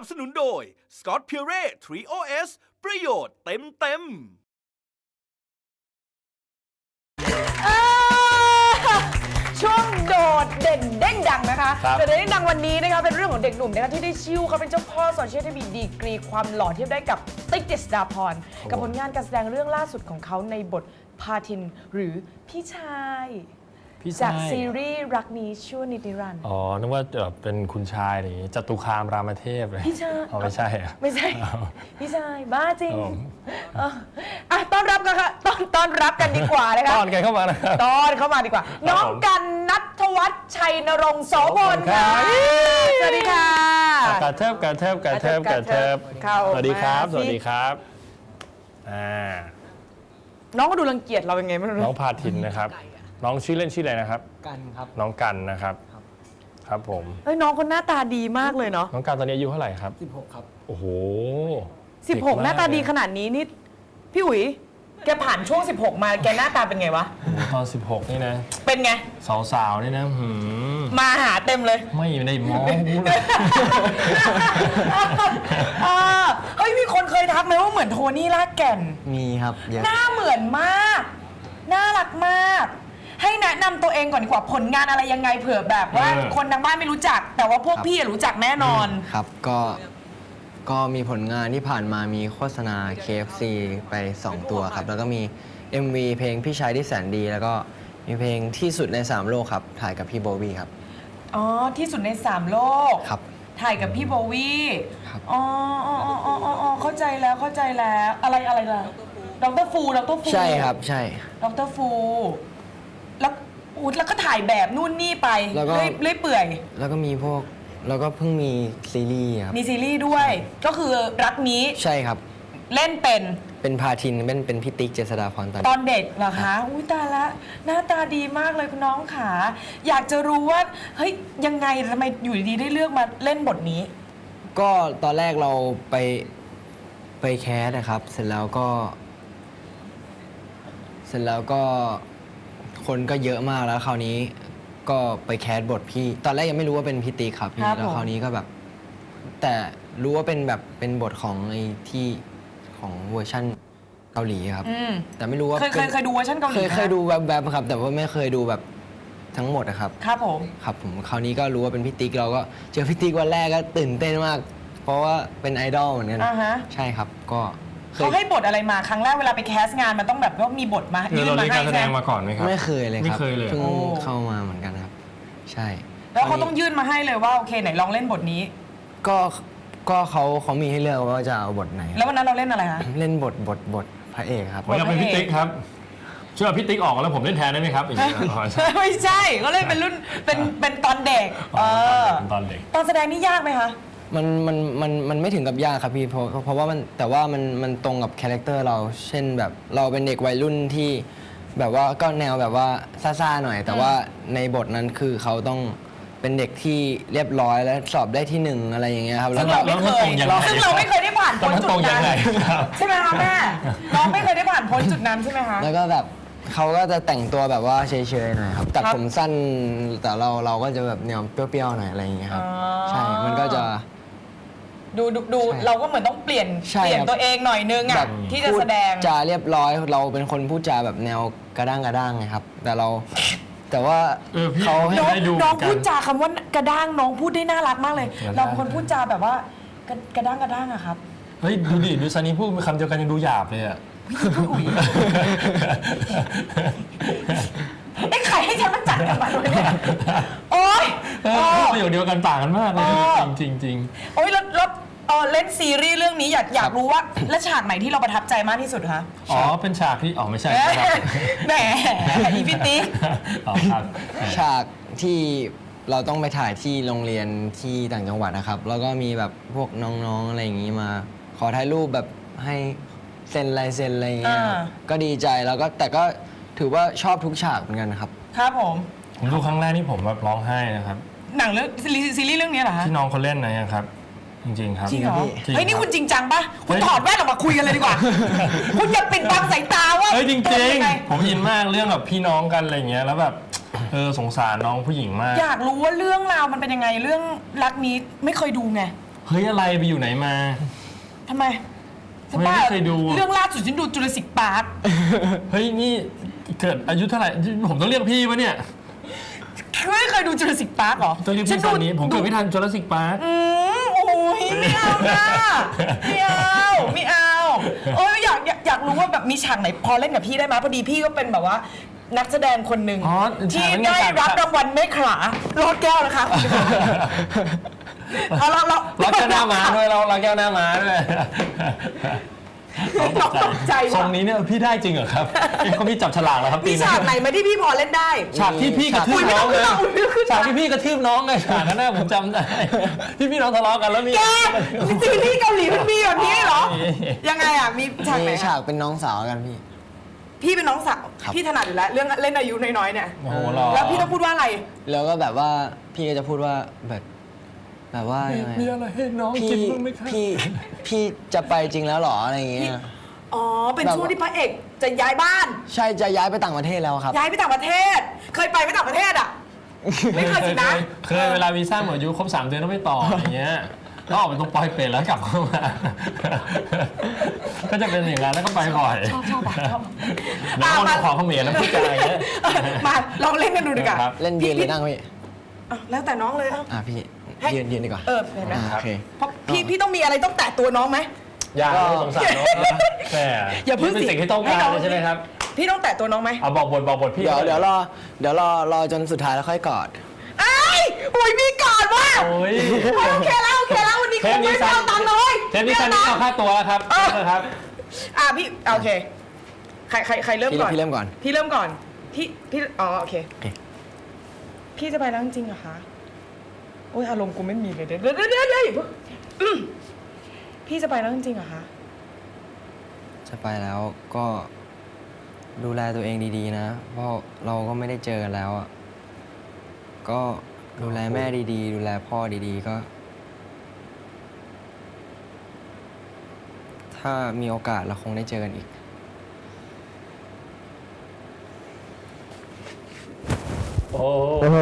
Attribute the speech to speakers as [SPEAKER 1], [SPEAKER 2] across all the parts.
[SPEAKER 1] บสนุนโดย Scott Pure Trio S ประโยชน์เต็ม
[SPEAKER 2] ช่วงโดดเด่นเด้งดังนะคะโดดเด่นเด้งดังวันนี้นะคะเป็นเรื่องของเด็กหนุ่มนะคะที่ได้ชื่อเขาเป็นเจ้าพ่อโซเชียลที่มีดีกรีความหล่อเทียบได้กับติ๊กเจษฎาพรกับผลงานการแสดงเรื่องล่าสุดของเขาในบทพาทินหรือพี่ชายจากซีรีส์รักนี้ชั่วนิรันดร์
[SPEAKER 3] อ๋อนึกว่าเป็นคุณชายนี่จตุคามรามเทพเลย
[SPEAKER 2] พี่ชาย
[SPEAKER 3] ไม่ใช่
[SPEAKER 2] ไม่ใช่พี่ชายบ้าจริงต้อนรับกันค่ะต้อนรับกันดีกว่านะคะ
[SPEAKER 3] ต้อนกันเข้ามานะครับ
[SPEAKER 2] ต้อนเข้ามาดีกว่าน้องกันณัฐวัฒน์ชัยนรงค์โสพลค่ะสวัสดีค่ะ
[SPEAKER 3] กระเทิบสวัสดีครับสวัสดีครับ
[SPEAKER 2] น้องก็ดูรังเกียจเราเป็นไงไม่รู้
[SPEAKER 3] น้องพาทินนะครับน้องชื่อเล่นชื่ออะไรนะครับ
[SPEAKER 4] กันครับ
[SPEAKER 3] น้องกันนะครับครับผม
[SPEAKER 2] น้องคนหน้าตาดีมากเลยเนาะ
[SPEAKER 3] น้องกันตอนนี้อายุเท่าไหร่ครับ
[SPEAKER 4] 16ครับ
[SPEAKER 3] โอ้โห
[SPEAKER 2] 16หน้าตาดีขนาดนี้นี่พี่อุ๋ยแกผ่านช่วง16มาแกหน้าตาเป็นไงวะ
[SPEAKER 3] ตอน16นี่นะ
[SPEAKER 2] เป็นไง
[SPEAKER 3] สาวๆนี่นะ
[SPEAKER 2] มาหาเต็มเลย
[SPEAKER 3] ไม่ได้มองเลย
[SPEAKER 2] เฮ้ยมีคนเคยทักไหมว่าเหมือนโทนี่ลากแก่น
[SPEAKER 4] มีครับเยอะ
[SPEAKER 2] หน้าเหมือนมากน่ารักมากให้แนะนำตัวเองก่อนดีกว่าผลงานอะไรยังไงเผื่อแบบว่าคนทางบ้านไม่รู้จักแต่ว่าพวกพี่รู้จักแน่นอน
[SPEAKER 4] ครับก็มีผลงานที่ผ่านมามีโฆษณา KFC ไป2ตัวครับแล้วก็มี MV เพลงพี่ชายที่แสนดีแล้วก็มีเพลงที่สุดใน3โลกครับถ่ายกับพี่โบวี่ครับ
[SPEAKER 2] อ๋อที่สุดใน3โลก
[SPEAKER 4] ครับ
[SPEAKER 2] ถ่ายกับพี่โบวี่
[SPEAKER 4] ครับ
[SPEAKER 2] อ๋อเข้าใจแล้วอะไรล่ะดร.ฟู
[SPEAKER 4] ใช่ครับใช่
[SPEAKER 2] ดร.ฟูแล้วก็ถ่ายแบบนู่นนี่ไปเรื่อยเปื่อย
[SPEAKER 4] แล้วก็มีพวกแล้วก็เพิ่งมีซีรีส์ครับ
[SPEAKER 2] มีซีรีส์ด้วยก็คือรักนี้
[SPEAKER 4] ใช่ครับ
[SPEAKER 2] เล่นเป็น
[SPEAKER 4] พาทินเป็นพี่ติ๊กเจษฎาพร
[SPEAKER 2] ตอนเด็กเหรอคะอุ้ยตายละหน้าตาดีมากเลยคุณน้องขาอยากจะรู้ว่าเฮ้ยยังไงทำไมอยู่ดีๆได้เลือกมาเล่นบทนี้
[SPEAKER 4] ก็ตอนแรกเราไปแคสนะครับเสร็จแล้วก็คนก็เยอะมากแล้วคราวนี้ก็ไปแคสบทพี่ตอนแรกยังไม่รู้ว่าเป็นพี่ติ๊กครับพี่แล้วคราวนี้ก็แบบแต่รู้ว่าเป็นแบบเป็นบทของไอ้ที่ของเวอร์ชั่นเกาหลีครับแต่ไม่รู้ว่า
[SPEAKER 2] เคยดูเวอร์ชันเกาหลี
[SPEAKER 4] เคยดูแบบครับแต่ว่าไม่เคยดูแบบทั้งหมดนะครับ
[SPEAKER 2] ครับผม
[SPEAKER 4] คราวนี้ก็รู้ว่าเป็นพี่ติ๊กเราก็เจอพี่ติ๊กวันแรกก็ตื่นเต้นมากเพราะว่าเป็นไอดอลเหมือนกันใช่ครับก็
[SPEAKER 2] เขาให้บทอะไรมาครั้งแรกเวลาไปแคสงานมันต้องแบบว่ามีบทมา
[SPEAKER 3] ยื่นมาให้การแสดงมาก่อนไหมครับ
[SPEAKER 4] ไม่เคยเลยครับ
[SPEAKER 3] ไม่เคยเลย
[SPEAKER 4] เพิ่งเข้ามาเหมือนกันครับใช่
[SPEAKER 2] แล้วเขาต้องยื่นมาให้เลยว่าโอเคไหนลองเล่นบทนี้
[SPEAKER 4] ก็เขามีให้เลือกว่าจะเอาบทไหน
[SPEAKER 2] แล้ววันนั้นเราเล่นอะไรคะ
[SPEAKER 4] เล่นบทพระเอกครับ
[SPEAKER 3] ผมอยากเป็นพี่ติ๊กครับเชื่อพี่ติ๊กออกแล้วผมเล่นแทนได้ไหมครับ
[SPEAKER 2] ไม่ใช่ก็เล่นเป็นรุ่นเป็นตอนเด็ก
[SPEAKER 3] ตอนเด็ก
[SPEAKER 2] ตอนแสดงนี่ยากไหมคะ
[SPEAKER 4] มันไม่ถึงกับยากครับพี่เพราะว่าแต่ว่ามันตรงกับคาแรคเตอร์เราเช่นแบบเราเป็นเด็กวัยรุ่นที่แบบว่าก็แนวแบบว่าซ่าๆหน่อยแต่ว่าในบทนั้นคือเขาต้องเป็นเด็กที่เรียบร้อยและสอบได้ที่1อะไรอย่างเงี้ยครับ
[SPEAKER 2] ซึ่งเราไม่เคยได้ผ่านพ้นจุดนั้นใช่ไหมคะแม่น้องไม่เคยได้ผ่านพ้นจุดนั้นใช่ไหมคะ
[SPEAKER 4] แล้วก็แบบเขาก็จะแต่งตัวแบบว่าเฉยๆหน่อยครับตัดผมสั้นแต่เราก็จะแบบแนวเปรี้ยวๆหน่อยอะไรอย่างเงี้ยครับใช่มันก็จะ
[SPEAKER 2] ดูเราก็เหมือนต้องเปลี่ยนตัวเองหน่อยนึงอ่ะที่จะแสดง
[SPEAKER 4] จะเรียบร้อยเราเป็นคนพูดจาแบบแนวกระด้างไงครับแต่ว่า
[SPEAKER 3] เขาให้ได้ดู
[SPEAKER 2] น้องพูดจาคำว่ากระด้างน้องพูดได้น่ารักมากเลยเราเป็นคนพูดจาแบบว่ากระด้างอะครับ
[SPEAKER 3] เฮ้ยดูซานีพูดคำเดียวกันยังดูหยาบเลยอะ
[SPEAKER 2] ไอ้ไข่ให้ฉันมาจัดกันมาเลยเนี่ยโอ๊ย
[SPEAKER 3] ประโยคเดียวกันต่างกันมากเลยจริง
[SPEAKER 2] โอ๊ยแล้วเล่นซีรีส์เรื่องนี้อยากรู้ว่าและฉากไหนที่เราประทับใจมากที่สุดคะ
[SPEAKER 3] อ๋อเป็นฉากที่ไม่ใช่
[SPEAKER 2] แหมอีพิติ
[SPEAKER 4] ฉากที่เราต้องไปถ่ายที่โรงเรียนที่ต่างจังหวัดนะครับแล้วก็มีแบบพวกน้องๆอะไรอย่างนี้มาขอถ่ายรูปแบบให้เซ็นลายเซ็นอะไรอย่างเงี้ยก็ดีใจแล้วก็แต่ก็ถือว่าชอบทุกฉากเหมือนกันครับ
[SPEAKER 2] ครับผม
[SPEAKER 3] ดูครั้งแรกนี่ผมแบบร้องไห้นะครับ
[SPEAKER 2] หนังเรื่องซีรีส์เรื่องนี้เหรอคะ
[SPEAKER 3] ที่น้องเขาเล่นนะครับจริงๆครับ
[SPEAKER 2] จริงเหรอเฮ้ยนี่คุณจริงจังปะคุณถอดแว่นออกมาคุยกันเลยดีกว่าคุณอย่าปิดบังสายตาว่า
[SPEAKER 3] เฮ้ยจริงๆผมอินมากเรื่องแบบพี่น้องกันอะไรเงี้ยแล้วแบบสงสารน้องผู้หญิงมาก
[SPEAKER 2] อยากรู้ว่าเรื่องราวมันเป็นยังไงเรื่องรักนี้ไม่เคยดูไง
[SPEAKER 3] เเฮ้ยอะไรไปอยู่ไหนมา
[SPEAKER 2] ทำไม
[SPEAKER 3] ไม่เคยดู
[SPEAKER 2] เรื่องล่าสุดฉันดูจูราสสิกพาร์ค
[SPEAKER 3] เฮ้ยนี่เกิดอายุเท่าไหร่ผมต้องเรียกพี่ปะเนี่ย
[SPEAKER 2] ไม่เคยดูจูราสสิกพาร์คหรอ
[SPEAKER 3] ต้องเรียกพี่ตอนนี้ผมเกิดไม่ทันจูราสสิกพาร์ค
[SPEAKER 2] โอ้ยไม่เอานะไม่เอาโอ้ยอยากรู้ว่าแบบมีฉากไหนพอเล่นกับพี่ได้ไหมพอดีพี่ก็เป็นแบบว่านักแสดงคนหนึ่งที่ได้รับรางวัลไม่ขลารอดแก้วนะคะเรา
[SPEAKER 3] ล็อกแก้วหน้าม้าด้วยเราล็อกแก้วหน้าม้าด้วย
[SPEAKER 2] ตกใจ
[SPEAKER 3] ทร
[SPEAKER 2] ว่ะ
[SPEAKER 3] งนี้เนี่ยพี่ได้จริงเหรอครับเขาพี่จับฉลากแล้วครับ
[SPEAKER 2] มีฉากไหนไหมที่พี่พอเล่นได้
[SPEAKER 3] ฉากที่พี่กระทืบน้องเลยฉากที่พี่กระทืบน้องไงฉากนั้นน่ะผมจำได้ที่พี่น้องทะเลาะกันแล้วมี
[SPEAKER 2] แกซีรีส์เกาหลีมันมีแบบนี้เหรอ ยังไงอ่ะมีฉากไหน
[SPEAKER 4] มีฉากเป็นน้องสาวกันพี่
[SPEAKER 2] พี่เป็นน้องสาว
[SPEAKER 4] ครับ
[SPEAKER 2] พี่ถนัดอยู่แล้วเรื่องเล่นอายุน้อยๆเนี่ย
[SPEAKER 3] โอ้โหหรอ
[SPEAKER 2] แล้วพี่ต้องพูดว่าอะไร
[SPEAKER 4] แล้วก็แบบว่าพี่ก็จะพูดว่าแบบว่ายังไง
[SPEAKER 3] มีอะไรให้น้อง
[SPEAKER 4] พี่
[SPEAKER 3] กินบ้างไหมครับ
[SPEAKER 4] พี่จะไปจริงแล้วเหรออะไรอย่างเงี้ย
[SPEAKER 2] อ๋อ เป็น
[SPEAKER 4] แบบ
[SPEAKER 2] ช่วงที่พระเอกจะย้ายบ้าน
[SPEAKER 4] ใช่จะย้ายไปต่างประเทศแล้วครับ
[SPEAKER 2] ย้ายไปต่างประเทศ เคยไปไหมต่างประเทศอ่ะ ไม่เคยสินะ
[SPEAKER 3] เคยเวลาวีซ่าหมดอายุครบ3 เดือนต้องไม่ต่ออย่างเงี้ยก็ออกไปตรงปอยเป็ดแล้วกลับเข้ามา ก็จะเป็นอย่างนั้นแล้วก็ไปบ่อย
[SPEAKER 2] ชอบ
[SPEAKER 3] แล้วก็ของเขมรแล้วพูดจาอย่างเงี้ย
[SPEAKER 2] มาลองเล่นกันดูดีกว่า
[SPEAKER 3] ครับ
[SPEAKER 4] เล่นยืนหรือนั่งพี่
[SPEAKER 2] อ่ะแล้วแต่น้องเลยอ่ะ
[SPEAKER 4] พี่
[SPEAKER 2] ให้
[SPEAKER 4] ยืนดีกว่า
[SPEAKER 2] เห็นไหม
[SPEAKER 4] โอเค
[SPEAKER 2] เพราะพี่ต้องมีอะไรต้องแตะตัวน้องไหม
[SPEAKER 3] อย่าเลยสงสารน้องนะแหม
[SPEAKER 2] อย่าเพิ่ง
[SPEAKER 3] เป็น
[SPEAKER 2] สิ
[SPEAKER 3] สิ่งที่ต้องการ
[SPEAKER 2] ให้น้อง
[SPEAKER 3] เลยใช่ไหมครับ
[SPEAKER 2] พี่ต้องแตะตัวน้องไหม
[SPEAKER 3] เอาบอกบทพี่
[SPEAKER 4] เดี๋ยวรอจนสุดท้ายแล้วค่อยกอด
[SPEAKER 2] ไอ้ยโอ้ยมีก่อนว่ะ
[SPEAKER 3] โอ้ย
[SPEAKER 2] โอเคแล้ววันนี้คงไม่เอาตังค์เลย
[SPEAKER 3] เทปนี้ซันนี่เอาค่าตัวแล้วครับนะครับ
[SPEAKER 2] พี่โอเคใครเริ่มก่อน
[SPEAKER 4] พี่เริ่มก่อน
[SPEAKER 2] พี่เริ่มก่อนพี่อ๋อโอเค
[SPEAKER 4] โอเค
[SPEAKER 2] พี่จะไปแล้วจริงๆเหรอคะโอ้ยอารมณ์กูไม่มีเลยเดี๋ยวอย่าเพิ่งพี่จะไปแล้วจริงๆเหรอคะ
[SPEAKER 4] จะไปแล้วก็ดูแลตัวเองดีๆนะ เพราะเราก็ไม่ได้เจอกันแล้วอ่ะก็ดูแลแม่ดีๆ ดูแลพ่อดีๆก็ ถ้ามีโอกาสเราคงได้เจอกันอีก
[SPEAKER 3] โอ้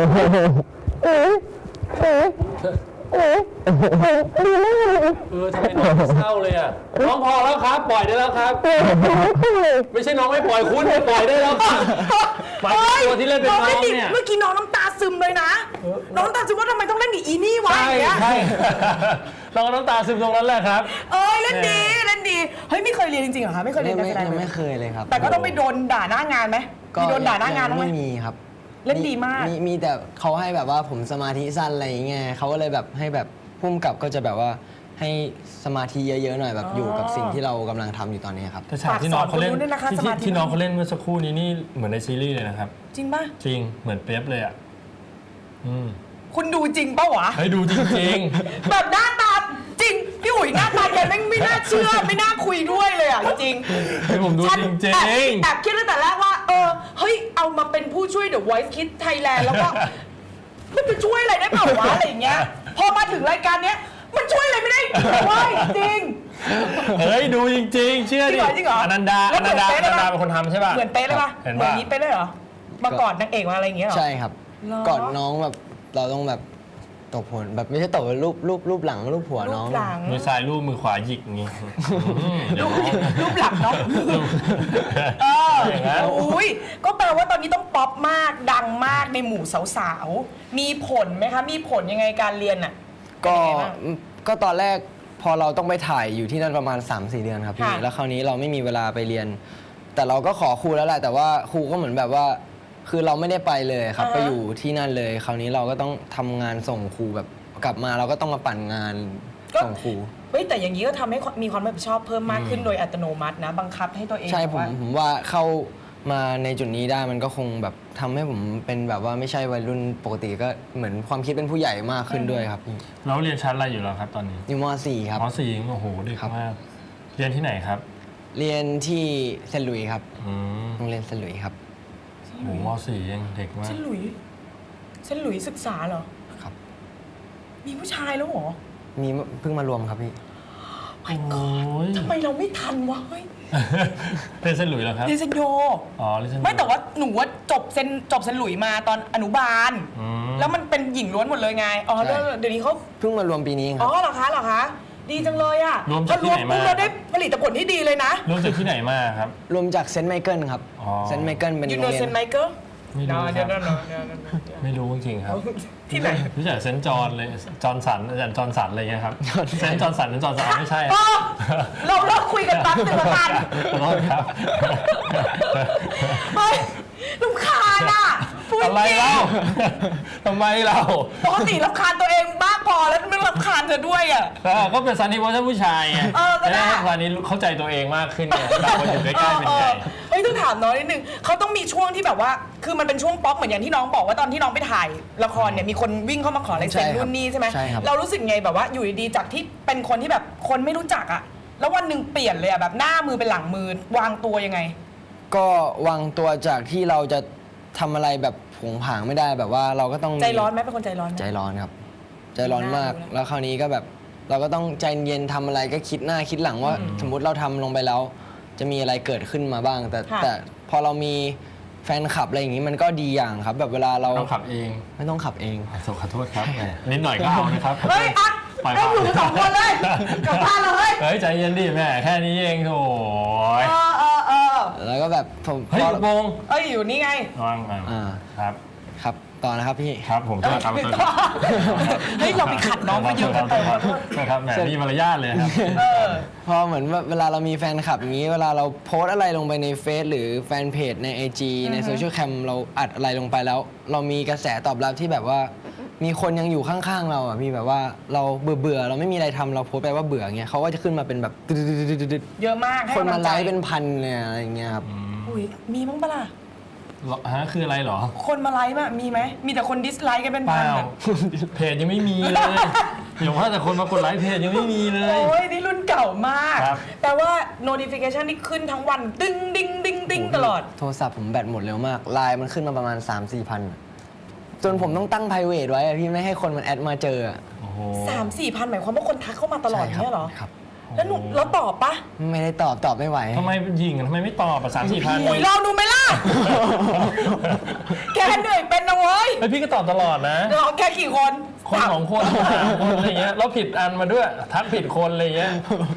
[SPEAKER 3] ทำไมน้องเศร้าเลยอ่ะน้องพอแล้วครับ ปล่อยได้แล้วครับ ไม่ใช่น้องไม่ปล่อยคุณปล่อยได้แล้วครับหมายถึงตัวที่เล่นเป็นน้องเนี่ย
[SPEAKER 2] เมื่อกี้น้องน้ำตาซึมเลยนะ น้องน้ำตาซึมว่าทำไมต้องเล่นกับอีนี่วะ
[SPEAKER 3] ใช่
[SPEAKER 2] อย่างเงี้ย
[SPEAKER 3] ใช่เราก็น้ำตาซึมตรงนั้นแหละครับ
[SPEAKER 2] เล่นดีเฮ้ยไม่เคยเรียนจริงๆเหรอคะไม่เคยเรียนการแสดง
[SPEAKER 4] ยัง
[SPEAKER 2] เล
[SPEAKER 4] ไม่
[SPEAKER 2] ย
[SPEAKER 4] เคยเลยครับ
[SPEAKER 2] แต่ก็ต้องไปโดนด่าหน้างานไหมมีโดนด่าหน้างานบ้างไหม
[SPEAKER 4] ไม่มีครับ
[SPEAKER 2] เล่นดีมาก
[SPEAKER 4] มีแต่เขาให้แบบว่าผมสมาธิสั้นอะไรอย่างเงี้ยเขาก็เลยแบบให้แบบพุ่มกับก็จะแบบว่าให้สมาธิเยอะๆหน่อยแบบอยู่กับสิ่งที่เรากำลังทำอยู่ตอนนี้ครับ
[SPEAKER 3] แต่ฉากที่น้องเขาเล่น
[SPEAKER 2] ฝากสอนคนรู้ด้วยนะคะสมาธิ
[SPEAKER 3] ที่น้องเขาเล่นเมื่อสักครู่นี้นี่เหมือนในซีรีส์เลยนะครับ
[SPEAKER 2] จริงป่ะ
[SPEAKER 3] จริงเหมือนเป๊ยบเลยอ่ะ
[SPEAKER 2] คุณดูจริงป่ะวะ
[SPEAKER 3] ให้ดูจริง
[SPEAKER 2] แบบหน้าตาจริงพี่อุ๋ยหน้าตาแกไม่น่าเชื่อไม่น่าคุยด้วยเลยอ่ะจริง
[SPEAKER 3] ๆให้ผมดู
[SPEAKER 2] ฉัน
[SPEAKER 3] จริง
[SPEAKER 2] แอบคิดตั้งแต่แรกว่าเฮ้ยเอามาเป็นผู้ช่วย The Voice Kids Thailand แล้วก็มันจะช่วยอะไรได้เปล่าวะอะไรอย่างเงี้ยพอมาถึงรายการเนี้ยมันช่วยอะไรไม่ได้เว้ยจริง
[SPEAKER 3] ๆเฮ้ยดูจริงๆเชื่อดิ
[SPEAKER 2] จริงเหรอ
[SPEAKER 3] อนันดา
[SPEAKER 2] แล้วเหมือนเป๊ะเลยปะ
[SPEAKER 3] เป็นคนทำใช่ป่ะ
[SPEAKER 2] เหมือนเป๊ะเลยป่ะ
[SPEAKER 3] เห็น
[SPEAKER 2] เหมือ
[SPEAKER 3] ป่ะ
[SPEAKER 2] นนี้เป๊ะเลยเหรอมากอดนางเอกมาอะไรอย่างเงี้ยเหรอ
[SPEAKER 4] ใช่ครับ
[SPEAKER 2] เหรอ
[SPEAKER 4] ก่อนน้องแบบเราต้องแบบตบหัวแบบไม่ใช่ตบรูปหลังรูปหัวน้อง
[SPEAKER 2] รูปหลัง
[SPEAKER 3] มือซ้ายลูบมือขวาหยิกอย่างงี้เดี๋ยว
[SPEAKER 2] รูปหลังเนาะ
[SPEAKER 3] อย่างนั้น
[SPEAKER 2] อุ้ยก็แปลว่าตอนนี้ต้องป๊อปมากดังมากในหมู่สาวๆมีผลไหมคะมีผลยังไงการเรียนอ่ะ
[SPEAKER 4] ก็
[SPEAKER 2] เป็นยังไงบ้าง
[SPEAKER 4] ก็ตอนแรกพอเราต้องไปถ่ายอยู่ที่นั่นประมาณ 3-4 เดือนครับพี่
[SPEAKER 2] ค่ะ
[SPEAKER 4] แล้วคราวนี้เราไม่มีเวลาไปเรียน แต่เราก็ขอครูแล้วแหละแต่ว่าครูก็เหมือนแบบว่า คือเราไม่ได้ไปเลยครับไปอยู่ที่นั่นเลย คราวนี้เราก็ต้องทำงานส่งครูแบบกลับมาเราก็ต้องมาปั่นงานส่งครู
[SPEAKER 2] เฮ้ยแต่อย่างนี้ก็ทำให้มีความรับผิดชอบเพิ่มมากขึ้นโดยอัตโนมัตินะบังคับให้ตัวเอง
[SPEAKER 4] ใช่
[SPEAKER 2] แบบว่า
[SPEAKER 4] ผมว่าเข้ามาในจุดนี้ได้มันก็คงแบบทำให้ผมเป็นแบบว่าไม่ใช่วัยรุ่นปกติก็เหมือนความคิดเป็นผู้ใหญ่มากขึ้นด้วยครับพี่
[SPEAKER 3] เราเรียนชั้นอะไรอยู่แล้วครับตอนนี้
[SPEAKER 4] อยู่ม .4 ครับ
[SPEAKER 3] ม .4 โอ้โหเด็ก
[SPEAKER 4] ครับ
[SPEAKER 3] มากเรียนที่ไหนครับ
[SPEAKER 4] เรียนที่เซนต์หลุยส์ครับ
[SPEAKER 3] อืม
[SPEAKER 4] โรงเรียนเซนต์หลุยส์ครับ
[SPEAKER 3] โอ้โหม .4 ยังเด็กมาก
[SPEAKER 2] เส้นหลุยศึกษาเหรอ
[SPEAKER 4] ครับ
[SPEAKER 2] มีผู้ชายแล้วเหรอ
[SPEAKER 4] มีเพิ่งมารวมครับพี่
[SPEAKER 2] ฮ my god ทำไมเราไม่ทันวะเฮ้ย
[SPEAKER 3] เล่นเส้นหลุยส์เหรอครับ
[SPEAKER 2] เรียนเซนโย
[SPEAKER 3] อ๋อเล่นเส้น
[SPEAKER 2] ไม่แต่ว่าหนูว่าจบเซนหลุยมาตอนอนุบาล แล้วมันเป็นหญิงล้วนหมดเลยไงอ๋อเดี๋ยวนี้เขา
[SPEAKER 4] เพิ่งมารวมปีนี้ค
[SPEAKER 2] อ๋
[SPEAKER 4] รั
[SPEAKER 2] อบ เหรอคะดีจังเลยอ่ะ
[SPEAKER 3] รวมจากที่ไหนมา
[SPEAKER 2] พอรวมปุ๊บเราได้ผลิตผลที่ดีเลยนะ
[SPEAKER 3] รวมจากที่ไหนมาครับ
[SPEAKER 4] รวมจากเซนต์ไมเคิลครับ
[SPEAKER 3] อ๋อ
[SPEAKER 4] เซนต์ไมเคิลเป็น
[SPEAKER 2] ยู
[SPEAKER 4] โร
[SPEAKER 2] โน
[SPEAKER 4] งเรีย
[SPEAKER 2] เซน
[SPEAKER 4] น
[SPEAKER 2] ไมเคิล
[SPEAKER 3] ไม่รู้ครับ
[SPEAKER 2] เดี๋ยว
[SPEAKER 3] ไม่รู้จริงๆครับ
[SPEAKER 2] ที่ไหน
[SPEAKER 3] รู้จักเซนต์จอห์นเลยจอห์นสันอาจารย์จอห์นสันอะไรเงี้ยครับเซนต์จอห์นสันเซนต์จอห์นสันไม่ใช่
[SPEAKER 2] อ๋อเราเลิกคุยกันแป๊บนึงละกัน
[SPEAKER 3] ขอโทษครับ
[SPEAKER 2] เฮ้ยรำคาญอ่ะพูด
[SPEAKER 3] อะไร
[SPEAKER 2] จริง
[SPEAKER 3] เล่าทำไมเรา
[SPEAKER 2] ปกติรำคาญตัวเองบ้างพอแล้วไม่รำคาญเธอด้วยอ่ะ
[SPEAKER 3] ก็เป็นซันนี่เพราะท่านผู้ชายไง
[SPEAKER 2] ก็ได้
[SPEAKER 3] ให้ซันนี่เข้าใจตัวเองมากขึ้นไงเราคนอยู่ใกล้ๆเป็นไง
[SPEAKER 2] เฮ้ยต้องถามน้องนิดนึงเขาต้องมีช่วงที่แบบว่า คือมันเป็นช่วงป๊อกเหมือนอย่างที่น้องบอกว่าตอนที่น้องไปถ่ายละครเนี่ยมีคนวิ่งเข้ามาขอลายเซ็น
[SPEAKER 4] ใช่ครับ
[SPEAKER 2] นู่นนี่ใช่ไหม
[SPEAKER 4] ใช่ครับ
[SPEAKER 2] เรารู้สึกไงแบบว่าอยู่ดีๆจากที่เป็นคนที่แบบคนไม่รู้จักอ่ะแล้ววันหนึ่งเปลี่ยนเลยอ่ะแบบหน้ามือเป็นหลังมือวางตัวยังไง
[SPEAKER 4] ก็วางตัวจากที่เราจะทำอะไรแบบผงผางไม่ได้แบบว่าเราก็ต้อง
[SPEAKER 2] ใจร้อนไหมเป็นคนใจร้อนไหม
[SPEAKER 4] ใจร้อนครับ ใจร้อนมาก
[SPEAKER 2] น่าดูนะ
[SPEAKER 4] แล้วคราวนี้ก็แบบเราก็ต้องใจเย็นทำอะไรก็คิดหน้าคิดหลังว่า สมมุติเราทำลงไปแล้ว จะมีอะไรเกิดขึ้นมาบ้าง แต่พอเรามีแฟนคลับอะไรอย่างนี้มันก็ดีอย่างครับ แบบเวลาเรา
[SPEAKER 3] ต้องขับเอง
[SPEAKER 4] ไม่ต้องขับเอง
[SPEAKER 3] ขอโทษครับแหมนิดหน่อยก็เอานะครับ
[SPEAKER 2] เฮ้ยอ่ะ
[SPEAKER 3] ปล่อย
[SPEAKER 2] ให้อยู่กันสองคนเลยกลับบ้านเลย
[SPEAKER 3] เฮ้ยใจเย็นดิแม่แค่นี้เองโถ่
[SPEAKER 2] เออ
[SPEAKER 4] แล้วก็แบบผม
[SPEAKER 3] เฮ้ย
[SPEAKER 4] พอ
[SPEAKER 3] โปง
[SPEAKER 2] เอ้ยอยู่นี่ไง
[SPEAKER 3] วางมา
[SPEAKER 4] อ่า
[SPEAKER 3] ครับ
[SPEAKER 4] ครับต่อนะครับพี่
[SPEAKER 3] ครับผมจะทำ
[SPEAKER 2] เฮ้ยเราไปขัดน้องมาเยอะกันไปขอโทษ
[SPEAKER 3] ครับแหมมีมารยาทเลยครับ
[SPEAKER 4] พอเหมือนว่าเวลาเรามีแฟนคลับอย่างนี้ เวลาเราโพสต์อะไรลงไปในเฟซหรือแฟนเพจใน IG ในโซเชียลแคมเราอัดอะไรลงไปแล้ว เรามีกระแสตอบรับที่แบบว่า มีคนยังอยู่ข้างๆเราอ่ะพี่แบบว่าเราเบื่อเราไม่มีอะไรทำเราโพสต์ไปว่าเบื่อเงี้ยเขาก็จะขึ้นมาเป็นแบบตึ๊ดๆๆๆ
[SPEAKER 2] เยอะมากให้
[SPEAKER 4] คนมาก
[SPEAKER 2] ำง
[SPEAKER 4] ไล
[SPEAKER 2] ใจ
[SPEAKER 4] ค์เป็นพันเลยอะไรอย่างเงี้ยครับ
[SPEAKER 2] อุ้ยมีมั้งปะล่ะ
[SPEAKER 3] ฮะคืออะไรเหรอ
[SPEAKER 2] คนมาไลค์มั้ยมีไหมมีแต่คนดิสไลค์กันเป็น
[SPEAKER 3] เป
[SPEAKER 2] พัน
[SPEAKER 3] ล่า
[SPEAKER 2] อะ
[SPEAKER 3] เพจยังไม่มีเลยอย่างว่าแต่คนมากดไลค์เพจยังไม่มีเลย
[SPEAKER 2] โอ้ยนี่รุ่นเก่ามาก
[SPEAKER 3] ครับ
[SPEAKER 2] แต่ว่า notification นี่ขึ้นทั้งวันดึงดิ้งดิ้งดิ้งตลอด
[SPEAKER 4] โทรศัพท์ผมแบตหมดเร็วมากไลน์มันขึ้นมาประมาณ 3-4 พันจนผมต้องตั้ง private ไว้อะพี่ไม่ให้คนมันแอดมาเจออะ
[SPEAKER 3] โอ้โห
[SPEAKER 2] 3-4 พันหมายความว่าคนทักเข้ามาตลอด
[SPEAKER 4] ใช่ครับ
[SPEAKER 2] เนี่ยเหรอ
[SPEAKER 4] ครับ
[SPEAKER 2] แล้วหนูแล้วตอบปะ
[SPEAKER 4] ไม่ได้ตอบไม่ไหว
[SPEAKER 3] ทำไมยิงทำไมไม่ตอบอ่ะ3-4 พัน
[SPEAKER 2] โอ้ยลองดูไหมล่ะ แกเหนื่อยเป็นนะเว้ย
[SPEAKER 3] ไอพี่ก็ตอบตลอดนะ
[SPEAKER 2] เราแค่กี่คน
[SPEAKER 3] คน 2 คน3 คนอะไรเงี้ยแล้วผิดอันมาด้วยทักผิดคนอะไรเงี้ย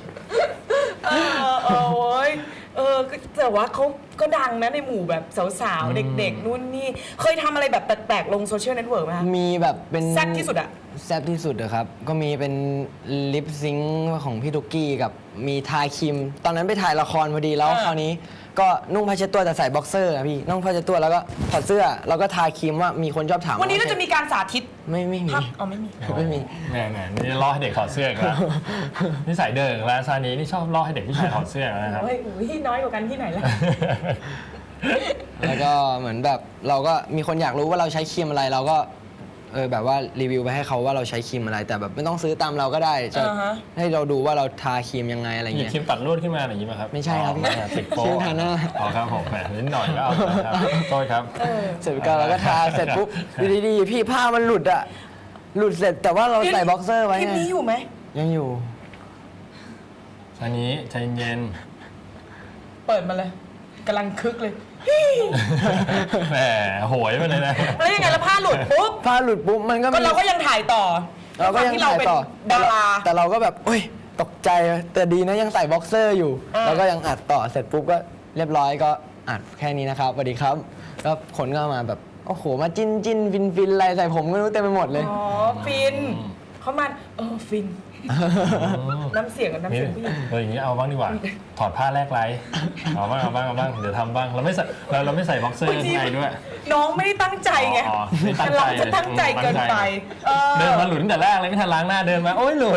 [SPEAKER 2] โอ้ยแต่ว่าเขาก็ดังนะในหมู่แบบสาวๆ เด็กๆ นู่นนี่ เคยทำอะไรแบบแปลกๆ ลงโซเชียลเน็ตเวิร์กไหมคะ
[SPEAKER 4] มีแบบเป็น
[SPEAKER 2] แซ่บที่สุดอะ
[SPEAKER 4] แซ่บที่สุดอะครับ ก็มีเป็นลิปซิงค์ของพี่ทุกกี้กับมีทาครีม ตอนนั้นไปถ่ายละครพอดีแล้วคราวนี้ ก็นุ่งผ้าเช็ดตัวแต่ใส่บ็อกเซอร์อะพี่นุ่งผ้าเช็ดตัวแล้วก็ถอดเสื้อแล้วก็ทาครีมว่ามีคนชอบถาม
[SPEAKER 2] วันนี้เราจะมีการสาธิต
[SPEAKER 4] ไม่มี
[SPEAKER 2] พักเอาไม่มี
[SPEAKER 4] ไม่มี
[SPEAKER 3] แหมนี่ล่อให้เด็กถอดเสื้ออีกันนี่ใส่เดิงแล้วซานี้นี่ชอบล่อให้เด็กผู้ชายถอดเสื้อนะครับ
[SPEAKER 2] เฮ้ยอุ้ยน้อยกว่ากันที่ไหนล่ะ
[SPEAKER 4] แล้วก็เหมือนแบบเราก็มีคนอยากรู้ว่าเราใช้ครีมอะไรเราก็แบบว่ารีวิวไปให้เขาว่าเราใช้ครีมอะไร แต่แบบไม่ต้องซื้อตามเราก็ได้จะ
[SPEAKER 2] อ่าฮะ
[SPEAKER 4] ให้เราดูว่าเราทาครีมยังไงอะไร
[SPEAKER 3] หยิบ
[SPEAKER 4] เงี้ย
[SPEAKER 3] ครีมตัดลวดขึ้นมาอย่างนี้ไหมครับ
[SPEAKER 4] ไม่ใช่ครับ
[SPEAKER 3] อ๋อติดโป๊
[SPEAKER 4] ครีมทาหน้า
[SPEAKER 3] อ๋อครับผมแหมนิดหน่อยก็เอาครับโทษครับ
[SPEAKER 4] เสร็จก็เราก็ทาเสร็จปุ๊บอยู่ดีๆพี่ผ้ามันหลุดอะหลุดเสร็จแต่ว่าเราใส่บ็อกเซอร์ไว้
[SPEAKER 2] คลิป
[SPEAKER 4] ไง
[SPEAKER 2] นี้อยู่ไหม
[SPEAKER 4] ยังอยู่
[SPEAKER 3] ซานี้ใจเย็น
[SPEAKER 2] เปิดมาเลยกำลังคึกเลย
[SPEAKER 3] แหมโหยไปเลยนะ
[SPEAKER 2] แล้วยังไงแล้วผ้าหลุดปุ๊บ
[SPEAKER 4] ผ้าหลุดปุ๊บมันก็
[SPEAKER 2] ก็
[SPEAKER 4] มี
[SPEAKER 2] เราก็ยังถ่ายต่อ
[SPEAKER 4] เราก็ยัง
[SPEAKER 2] ที่เรา
[SPEAKER 4] ถ่าย
[SPEAKER 2] เป็น
[SPEAKER 4] ต่อ
[SPEAKER 2] ดารา
[SPEAKER 4] แต่เราก็แบบโอ้ยตกใจแต่ดีนะยังใส่บ็อกเซอร์อยู่ แล้วก็ยังอัดต่อเสร็จปุ๊บก็เรียบร้อยก็อัดแค่นี้นะครับสวัสดีครับแล้วคนก็มาแบบโอ้โหมาจิ้นจิ้นฟินฟินอะไรใส่ผมก็ไม่รู้เต็มไปหมดเลย
[SPEAKER 2] อ๋อฟินเขามาฟิน น้ำเสียงกับน้ำเสียงผู้หญิง
[SPEAKER 3] อย่างนี้เอาบ้างดีกว่า ถอดผ้าแลกไลฟ์เอาบ้างเดี๋ยวทำบ้างเราไม่ใส่เราไม่ใส่บ็อกเซอร์ข้างในด้วย
[SPEAKER 2] น้องไม่ได้ตั้งใจไง
[SPEAKER 3] อ๋อไม่ตั้งใจ
[SPEAKER 2] เราจะตั้งใจเกินไป
[SPEAKER 3] เดินมาหลุดตั้งแต่แรกเลยไม่ทันล้างหน้าเดินมาโอ้ยหลุด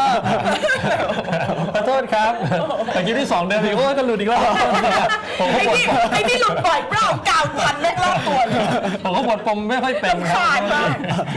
[SPEAKER 3] ขอโทษครับแต่กี้ที่2เดินอีกโอ้ยก็หลุดอีกแล้วผมก็
[SPEAKER 2] ไอ้นี่หลุดบ่อยเปล่ากาวพันแม่งรอบตัวเลย
[SPEAKER 3] ผมก็ปวดปมไม่ค่อยเป็น
[SPEAKER 2] รำคาญมาก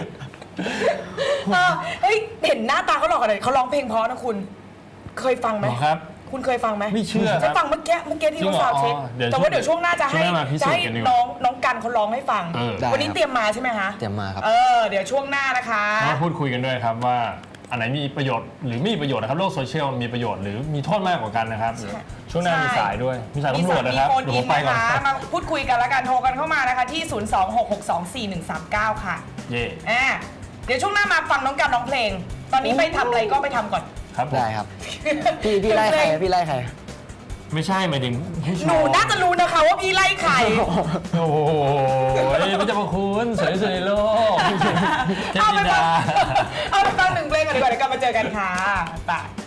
[SPEAKER 2] เฮ้ยเห็นหน้าตาเขาหล่อขนาดไหนเขาร้องเพลงเพราะนะคุณ เคยฟังไหม
[SPEAKER 3] ครับ
[SPEAKER 2] คุณเคยฟังไหม
[SPEAKER 3] ไม่เชื่อครับ
[SPEAKER 2] จะฟังเมื่อกี้ที่เขาซาวด์เช็ค
[SPEAKER 3] เดี๋ยว
[SPEAKER 2] แต่ว่าเดี๋ยวช่วงหน้าจะให้
[SPEAKER 3] ช่วงหน้ามาพิสูจน์กันดีกว่า
[SPEAKER 2] น้องกันเขาร้องให้ฟัง
[SPEAKER 3] ได้
[SPEAKER 2] วันนี้เตรียมมาใช่ไหมคะ
[SPEAKER 4] เตรียมมาครับ
[SPEAKER 2] เดี๋ยวช่วงหน้านะคะ
[SPEAKER 3] มาพูดคุยกันด้วยครับว่าอันไหนมีประโยชน์หรือไม่มีประโยชน์นะครับโลกโซเชียลมีประโยชน์หรือมีโทษมากกว่ากันนะครับช่วงหน้ามีสายด้วยมีสายตำรวจนะครับ
[SPEAKER 2] มี
[SPEAKER 3] เดี๋ยว
[SPEAKER 2] โฟ
[SPEAKER 3] ผมไป
[SPEAKER 2] น
[SPEAKER 3] ก่อน
[SPEAKER 2] นะคะมาพูดคุยกันแล้วกันโทรกันเข้ามานะคะที่ 026624139 ค่ะ
[SPEAKER 3] เย่
[SPEAKER 2] เดี๋ยวช่วงหน้ามาฟังน้องกันร้องเพลง ตอนนี้ไปทำอะไรก็ไปทำก่อน
[SPEAKER 3] ครับผม
[SPEAKER 4] ได้ครับ พี่ไล่ใครพี่ไล่ใคร
[SPEAKER 3] ไม่ใช่หมายถึงผู้ชม
[SPEAKER 2] หนูน่าจะรู้นะคะว่าพี่ไล่ใคร
[SPEAKER 3] โอ้โหไม่จะมาคุณสวยที่สุดในโลกเทพ
[SPEAKER 2] เอาไป
[SPEAKER 3] ธิ
[SPEAKER 2] ฟั
[SPEAKER 3] ดาง
[SPEAKER 2] เอาไปฟังหนึ่งเพลงกันดีกว่าเดี๋ยวกลับมาเจอกันค่ะไป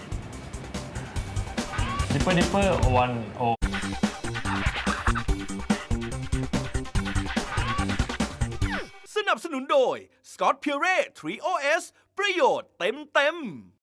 [SPEAKER 3] ดิปเปอร์วันโอ
[SPEAKER 1] สนับสนุนโดย Scott Pure 3OS ประโยชน์เต็ม